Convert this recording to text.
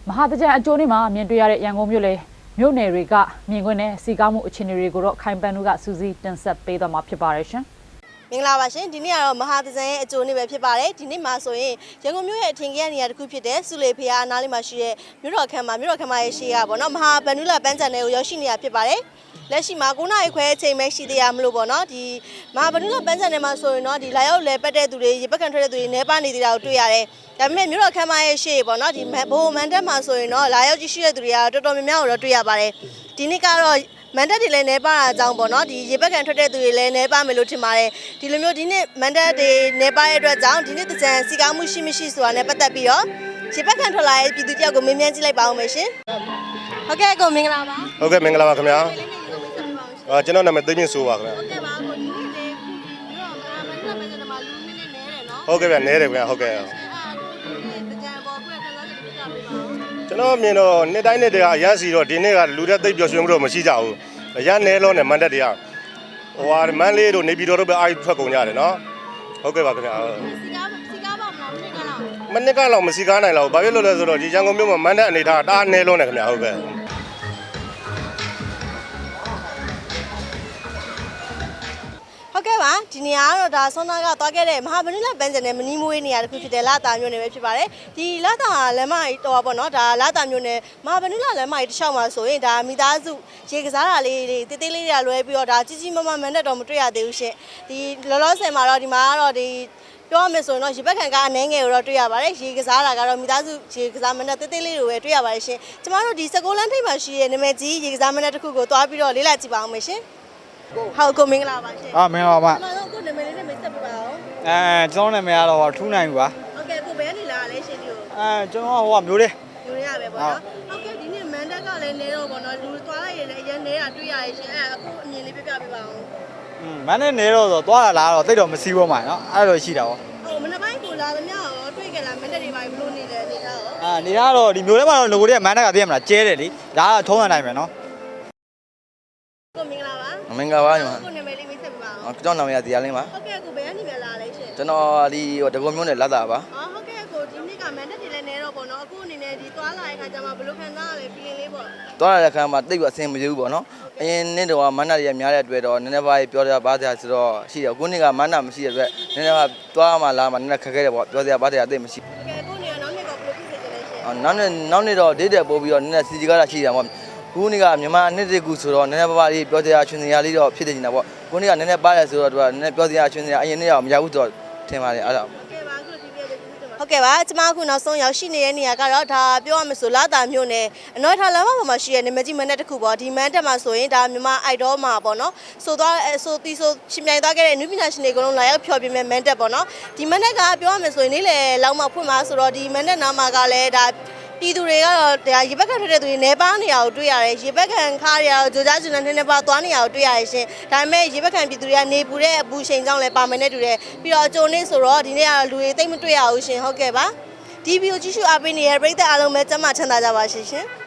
မဟာတကြံအကျိုးနေ့မှာမြင်တွေ့ရတဲ့ရန်ကုန်မြို့လေမြို့နယ်တွေကမြင်ကွင်းနဲ့စီကားမှုအခြေအနေတွေကိုတော့ခိုင်ပန်းတို့ကစူးစီးတင်ဆက်ပေးသွားမှာဖြစ်ပါတယ်ရှင်မင်္ဂလာပါရှင်ဒီနေ့ကတော့မဟာတကြံရဲ့အကျိုးနေ့ပဲဖြစ်ပါတယ်ဒီနေ့မှာဆိုရင်ရန်ကုန်မြို့ရဲ့အထင်ကြီးနေရာတစ်ခုဖြစ်တဲ့စုလေဖျားအနားလေးမှာရှိတဲ့မြို့တော်ခမ်းမရဲ့ရှေ့ကပေါ့နော်မဟာဗန္ဓုလပန်းချန်နယ်ကိုရောက်ရှိနေတာဖြစ်ပါတယ်လက်ရှိမှာ9နာရီခွဲအချိန်ပဲရှိသေးရမလို့ပေါ့နော်ဒီမဟာဗန္ဓုလပန်းချန်နယ်မှာဆိုရင်တော့ဒီလာရောက်လဲပတ်တဲ့သူတွေရေပက်ခံထွက်တဲ့သူတွေနေပါနေသေးတာကိုတွေ့ရတယ်ဒါပေမဲ့မြို့တော်ခမ်းမရဲ့ရှေ့ပေါ့နော်ဒီဘိုးမန်တက်မှာဆိုရင်တော့လာရောက်ကြည့်ရှိတဲ့သူတွေကတော်တော်များများကိုတော့တွေ့ရပါတယ်ဒီနေ့ကတော့မန်တက်တွေလည်းနေပါတာအကြောင်းပေါ့နော်ဒီရေပက်ခံထွက်တဲ့သူတွေလည်းနေပါမယ်လို့ထင်ပါတယ်ဒီလိုမျိုးဒီနေ့မန်တက်တွေနေပါရဲ့အတွက်ကြောင့်ဒီနေ့တကြံစီကားမှုရှိမရှိဆိုတာနဲ့ပတ်သက်ပြီးတော့ရေပက်ခံထွက်လာတဲ့ပြည်သူတယောက်ကိုမေးမြန်းကြည့်လိုက်ပါဦးမယ်ရှင်ဟုတ်ကဲ့ကိုမင်္ဂလာပါဟုတ်ကဲ့မင်္ဂလာပါခင်ဗျာကျွန်တော်နာမည်သိမြင့်ဆိုပါခင်ဗျာဟုတ်ကဲ့ပါကိုဒီနေ့လေမြို့တော်မန်တက်မှာလူနည်းနည်းနေတယ်နော်ဟုတ်ကဲ့ဗျာနဲတယ်ခင်ဗျာဟုတ်ကဲ့တကြံပေါ်ကိုခန်းစားချက်ပြပြပေးပါဦးကျွန်တော်မြင်တော့နှစ်တိုင်းနှစ်တည်းကအရန်စီတော့ဒီနေ့ကလူတွေသိပ်ပျော်ရွှင်မှုတော့မရှိကြဘူးအရန်နဲလုံးနဲ့မန်တက်တွေကဟိုဟာမန်းလေးတို့နေပြည်တော်တို့ပဲအားထွက်ကုန်ကြတယ်နော်ဟုတ်ကဲ့ပါခင်ဗျာစီကားပါမလားမနစ်ကတော့မစီကားနိုင်တော့ဘာဖြစ်လို့လဲဆိုတော့ဒီရန်ကုန်မြို့မှာမန်တက်အနေထားတအားနဲလုံးနဲ့ခင်ဗျာဟုတ်ကဲ့ဟုတ်ကဲ့ပါဒီနေရာကတော့ဒါဆွမ်းသားကသွားခဲ့တဲ့မဟာဗန္ဓုလပန်းချန်နယ်မနီးမွေးနေရာတစ်ခုဖြစ်တဲ့လာတာမြို့နယ်ပဲဖြစ်ပါတယ်ဒီလာတာလမ်းမကြီးတော့ပေါ့နော်ဒါလာတာမြို့နယ်မဟာဗန္ဓုလလမ်းမကြီးတစ်လျှောက်မှာဆိုရင်ဒါမိသားစုရေကစားတာလေးတွေတေးသေးလေးတွေလွဲပြီးတော့ဒါကြီးကြီးမားမားမန်တက်တော့မတွေ့ရသေးဘူးရှင်ဒီလောလောဆယ်မှာတော့ဒီမှာကတော့ဒီပြောရမယ်ဆိုရင်တော့ရေပက်ခံကအနှဲငယ်ကိုတော့တွေ့ရပါတယ်ရေကစားတာကတော့မိသားစုရေကစားမန်တက်တေးသေးလေးတွေပဲတွေ့ရပါတယ်ရှင်ကျမတို့ဒီ16လမ်းထိပ်မှာရှိတဲ့နာမည်ကြီးရေကစားမန်တက်တစ်ခုကိုသွားပြီးတော့လေ့လာကြည့်ပါအောင်မယ်ရှင်ဟုတ်ကိုမင်္ဂလာပါရှင်မင်္ဂလာပါကျွန်တော်ကိုနာမည်လေးနဲ့မိတ်ဆက်ပေးပါအောင်ကျွန်တော်နာမည်ကတော့ထူးနိုင်ပါဟုတ်ကဲ့ကိုဘယ်ကနေလာလဲရှင်ဒီကိုကျွန်တော်ဟိုကမျိုးလေးမျိုးလေးရပဲပေါ့နော်ဟုတ်ကဲ့ဒီနေ့မန်တက်ကလည်းနေတော့ပေါ့နော်လူသွားလိုက်ရင်လည်းအရင်နေတာတွေ့ရရှင်အခုအမြင်လေးပြပြပေးပါအောင်မန်နဲ့နေတော့ဆိုသွားတာလားတော့တိတ်တော့မစီးဘူးမှာနော်အဲ့လိုရှိတာပေါ့ဟုတ်မနေ့ပိုင်းကိုလာသမျှရောတွေ့ကြလားမန်တက်တွေပါဘလို့နေလဲနေသားရောနေသားတော့ဒီမျိုးထဲမှာတော့ငကိုတွေကမန်တက်ကသိရမလားကျဲတယ်လေဒါကထုံးရနိုင်မယ်နော်ကိုမင်္ဂလာပါမင်္ဂလာပါညီမကိုနာမည်လေးမိတ်ဆက်ပေးပါအောင်ကျွန်တော်နာမည်ကဒီယာလင်းပါဟုတ်ကဲ့ကိုဘယ်ကနေလာလဲရှင်ကျွန်တော်ဒီတကုံမျိုးနဲ့လာတာပါဟုတ်ကဲ့ကိုဒီနေ့ကမန်တက်တွေလည်းနေတော့ပေါ့နော်အခုအနေနဲ့ဒီသွားလာတဲ့ခါကျမှဘယ်လိုခံစားရလဲပြီးရင်လေးပေါ့သွားလာတဲ့ခါမှာတိတ်ပြီးအဆင်မပြေဘူးပေါ့နော်အရင်နေ့တော့မန္တတွေကများတဲ့အတွက်တော့နည်းနည်းပါးပြောရပါစရာဆိုတော့ရှိတယ်အခုနေ့ကမန္တမရှိတဲ့အတွက်နည်းနည်းပါးသွားမှလာမှနည်းနည်းခက်ခဲတယ်ပေါ့ပြောစရာပါစရာတိတ်မရှိဘူးကဲအခုနေနောက်နေ့ကဘယ်လိုဖြစ်စေချင်လဲရှင်နောက်နေ့တော့ဒေးတယ်ပို့ပြီးတော့နည်းနည်းစီစီကားတာရှိတယ်ပေါ့ခုနေ့ကမြန်မာအနှစ်တကူဆိုတော့နည်းနည်းပါးပါးလေးပြောစရာချွင်စရာလေးတော့ဖြစ်နေနေတာပေါ့ခုနေ့ကနည်းနည်းပါးတယ်ဆိုတော့သူကနည်းနည်းပြောစရာချွင်စရာအရင်နေ့တော့မရဘူးတော့ထင်ပါတယ်အဲ့ဒါဟုတ်ကဲ့ပါကျမအခုနောက်ဆုံးရောက်ရှိနေတဲ့နေရာကတော့ဒါပြောရမလို့လာတာမြို့နယ်အနော်ထားလမ်းမပေါ်မှာရှိတဲ့နမကြီးမန်တက်တစ်ခုပေါ့ဒီမန်တက်မှာဆိုရင်ဒါမြန်မာအိုက်ဒေါမှာပေါ့နော်ဆိုရှင်ပြိုင်သွားခဲ့တဲ့နုပညာရှင်တွေအကုန်လုံးလာရောက်ဖျော်ပြမဲ့မန်တက်ပေါ့နော်ဒီမန်တက်ကပြောရမလို့နေ့လေလောက်မှဖွင့်မှာဆိုတော့ဒီမန်တက်နာမှာကလည်းဒါပြည်သူတွေကတော့ဒါရေပက်ခံထွက်တဲ့သူတွေနေပါနေရကိုတွေ့ရတယ်ရေပက်ခံခါရကြိုကြားကျွန်းနဲ့နေပါသွားနေရကိုတွေ့ရတယ်ရှင်ဒါပေမဲ့ရေပက်ခံပြည်သူတွေကနေပူတဲ့အပူချိန်ကြောင့်လည်းပါမယ်နဲ့တူတယ်ပြီးတော့အကျုံနေ့ဆိုတော့ဒီနေ့ကလူတွေသိမ့်မတွေ့ရဘူးရှင်ဟုတ်ကဲ့ပါဒီဗီဒီယိုကြည့်ရှုအားပေးနေတဲ့ပရိသတ်အားလုံးပဲကျမ်းမာချမ်းသာကြပါရှင်